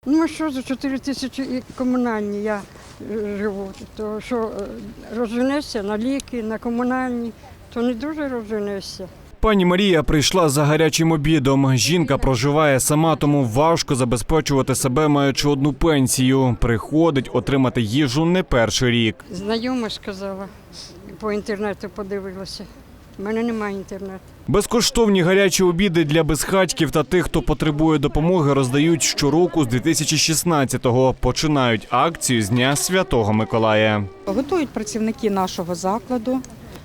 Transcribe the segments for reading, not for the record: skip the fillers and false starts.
Ну що, за 4 тисячі і комунальні я живу, то що розженешся на ліки, на комунальні, то не дуже розженешся. Пані Марія прийшла за гарячим обідом. Жінка проживає сама, тому важко забезпечувати себе, маючи одну пенсію. Приходить отримати їжу не перший рік. Знайома сказала, по інтернету подивилася. У мене немає інтернету. Безкоштовні гарячі обіди для безхатьків та тих, хто потребує допомоги, роздають щороку з 2016-го. Починають акцію з Дня Святого Миколая. Готують працівники нашого закладу.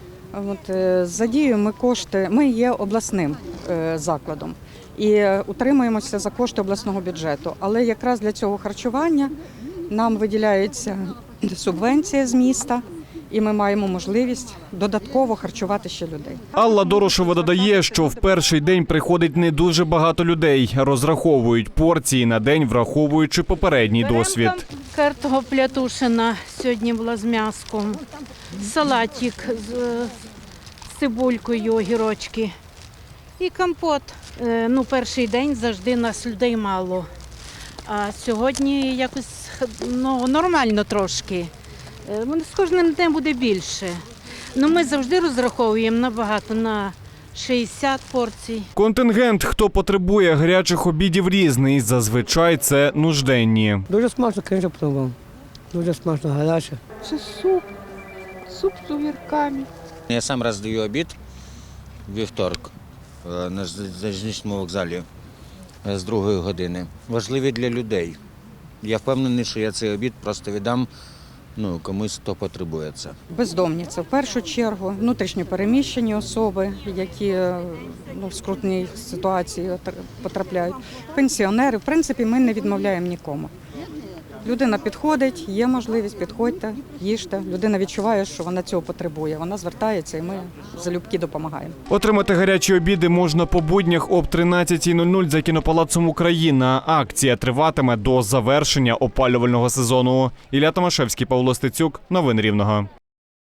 Задіюємо кошти. Ми є обласним закладом і утримуємося за кошти обласного бюджету. Але якраз для цього харчування нам виділяється субвенція з міста. І ми маємо можливість додатково харчувати ще людей. Алла Дорошева додає, що в перший день приходить не дуже багато людей. Розраховують порції на день, враховуючи попередній досвід. Картопля тушена сьогодні була з м'яском, салатик з цибулькою, огірочки і компот. Перший день завжди нас людей мало, а сьогодні якось нормально трошки. З кожним днем буде більше. Ми завжди розраховуємо набагато на 60 порцій. Контингент, хто потребує гарячих обідів, різний. Зазвичай це нужденні. Дуже смачно, звісно, пробував. Дуже смачно, гаряче. Це суп з огірками. Я сам роздаю обід вівторок на залізничному вокзалі з 2 години. Важливі для людей. Я впевнений, що я цей обід просто віддам комусь, хто потребує це. Бездомні – це в першу чергу, внутрішньо переміщені особи, які в скрутній ситуації потрапляють. Пенсіонери, в принципі, ми не відмовляємо нікому. Людина підходить, є можливість, підходьте, їжте. Людина відчуває, що вона цього потребує. Вона звертається і ми залюбки допомагаємо. Отримати гарячі обіди можна по буднях об 13:00 за кінопалацом «Україна». Акція триватиме до завершення опалювального сезону. Ілля Томашевський, Павло Стецюк. Новини Рівного.